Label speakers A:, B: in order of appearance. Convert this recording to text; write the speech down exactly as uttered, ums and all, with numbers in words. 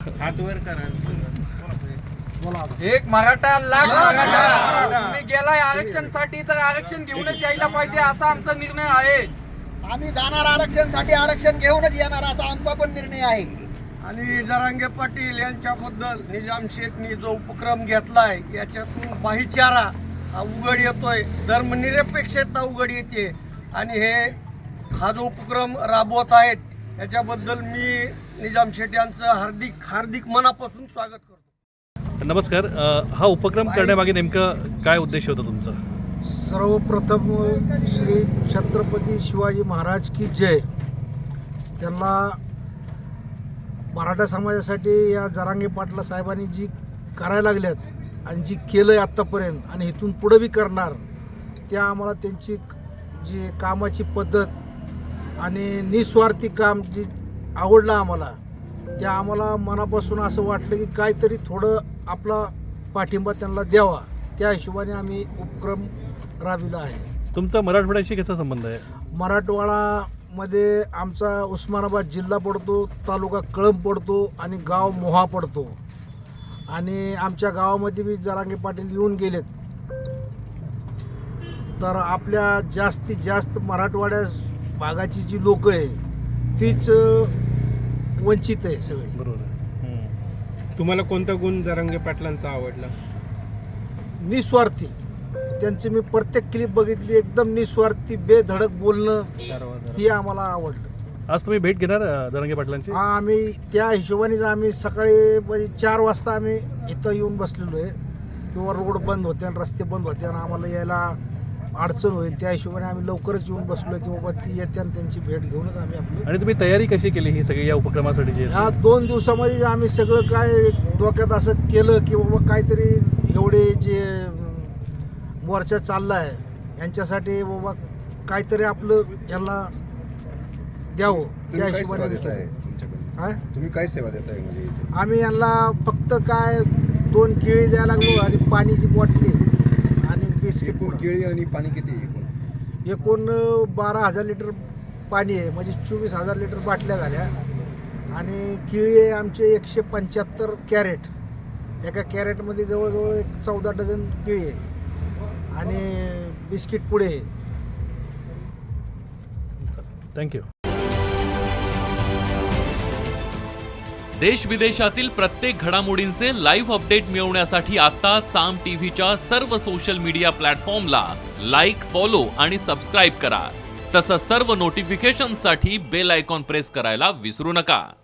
A: हात वर करा.
B: एक मराठा लाख मराठा. तुम्ही गेलाय आरक्षणसाठी तर आरक्षण घेऊनच यायला पाहिजे असा आमचा निर्णय आहे.
C: आम्ही जाणार आरक्षणसाठी, आरक्षण घेऊनच येणार असा आमचा पण निर्णय आहे.
D: आणि जरांगे पाटील यांच्याबद्दल निजाम शेठनी जो उपक्रम घेतलाय याच्यातून भाईचारा उघड येतोय, धर्मनिरपेक्षता उघड येते आणि हे हा जो उपक्रम राबवत आहेत याच्याबद्दल मी निजाम शेठ यांचं हार्दिक हार्दिक मनापासून स्वागत करतो.
E: नमस्कार. अ, हा उपक्रम करण्यामागे नेमकं काय उद्देश होता तुमचा?
F: सर्वप्रथम श्री छत्रपती शिवाजी महाराज की जय. त्यांना मराठा समाजासाठी या जरांगे पाटला साहेबांनी जी करायला लागल्यात आणि जी केलं आहे आत्तापर्यंत आणि इथून पुढं बी करणार, त्या आम्हाला त्यांची जी कामाची पद्धत आणि निस्वार्थी काम जी आवडलं आम्हाला, त्या आम्हाला मनापासून असं वाटलं की काहीतरी थोडं आपला पाठिंबा त्यांना द्यावा. त्या हिशोबाने आम्ही उपक्रम राबविला आहे.
E: तुमचा मराठवाड्याशी कसा संबंध आहे?
F: मराठवाडामध्ये आमचा उस्मानाबाद जिल्हा पडतो, तालुका कळंब पडतो आणि गाव मोहा पडतो. आणि आमच्या गावामध्ये बी जरांगे पाटील येऊन गेलेत. तर आपल्या जास्तीत जास्त मराठवाड्या भागाची जी लोक आहे तीच वंचित आहे सगळे.
E: बरोबर आहे.
A: तुम्हाला कोणता गुण जरांगे पाटलांचा आवडला?
F: निस्वार्थी. त्यांची मी प्रत्येक क्लिप बघितली, एकदम निस्वार्थी बेधडक बोलणं हे आम्हाला आवडलं.
E: आज तुम्ही भेट घेणार अ, जरांगे पाटलांची?
F: हा, आम्ही त्या हिशोबानेच आम्ही सकाळी म्हणजे चार वाजता आम्ही इथं येऊन बसलेलो आहे. किंवा रोड बंद होते आणि रस्ते बंद होते आणि आम्हाला यायला अडचण होईल, त्या हिशोबाने आम्ही लवकरच येऊन बसलो की बाबा ती येते आणि त्यांची भेट घेऊनच आम्ही आपलं.
E: आणि तुम्ही तयारी कशी केली ही सगळी या उपक्रमासाठी? जे
F: ह्या दोन दिवसामध्ये आम्ही सगळं काय डोक्यात असं केलं की बाबा काहीतरी एवढे जे मोर्चा चालला आहे यांच्यासाठी बाबा काहीतरी आपलं यांना द्यावं, त्या हिशोबाने
G: तुम्ही काय सेवा देताय? म्हणजे
F: आम्ही यांना फक्त काय दोन केळी द्यायला लागलो आणि पाण्याची बॉटली आणि बिस्किट.
G: एकूण केळी आणि पाणी किती एकूण?
F: एकूण बारा हजार लिटर पाणी आहे, म्हणजे चोवीस हजार लिटर बाटल्या झाल्या. आणि केळी आहे आमचे एकशे पंच्याहत्तर कॅरेट. एका कॅरेटमध्ये जवळजवळ एक चौदा डझन केळी आहे आणि बिस्किट पुढे आहे.
E: थँक्यू.
H: देश विदेशातील प्रत्येक घडामोडींचे लाईव्ह अपडेट मिळवण्यासाठी आता साम टीव्हीच्या सर्व सोशल मीडिया प्लॅटफॉर्मला लाईक, फॉलो आणि सबस्क्राईब करा. तसंच सर्व नोटिफिकेशनसाठी बेल आयकॉन प्रेस करायला विसरू नका.